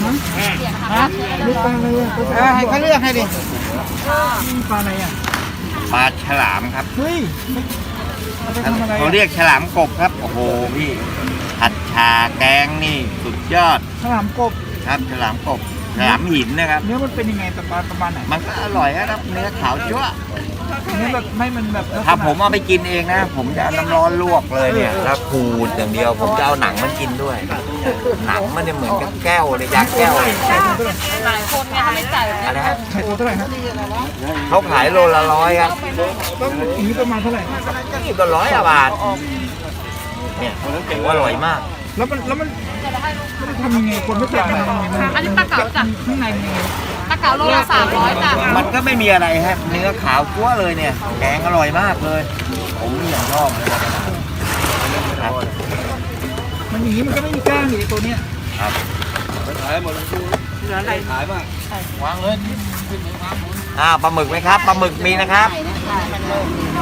ลูกปลาอะไรอ่ะให้เขาเลือกให้ดิปลาอะไรอ่ะปลาฉลามครับเฮ้ยเขาเรียกฉลามกบครับโอ้โหพี่ผัดชาแกงนี่สุดยอดฉลามกบครับฉลามกบฉลามหินนะครับเนื้อมันเป็นยังไงประมาณไหนมันก็อร่อยครับเนื้อขาวจั๊วเนื้อแบบไม่มันแบบถ้าผมเอาไปกินเองนะผมจะเอาน้ำร้อนลวกเลยเนี่ยแล้วขูดอย่างเดียวผมจะเอาหนังมันกินด้วยหนังมันเนี่ยเหมือนกับแก้วเลยยาแก้วเลยหลายคนเนี่ยไม่จ่ายอะไรฮะขายตัวเท่าไหร่ครับเขาขายโลละ100ครับต้องนี้ประมาณเท่าไหร่นี่ก็100 บาทเนี่ยถือว่าอร่อยมากแล้วมันทำยังไงคนไม่เคยกินอันนี้ปลาเก๋าจ้ะข้างในมันยังไงปลาเก๋าโลละ300จ้ะมันก็ไม่มีอะไรฮะเนื้อขาวจั๊วเลยเนี่ยแกงอร่อยมากเลยผมนี่อย่างชอบเลยครับมันอย่างนี้มันก็ไม่มีกล้างอยู่ในตัวเนี้ยครับขายหมดเหลืออะไรขายบ้างวางเลยปลาหมึกไหมครับปลาหมึกมีนะครับ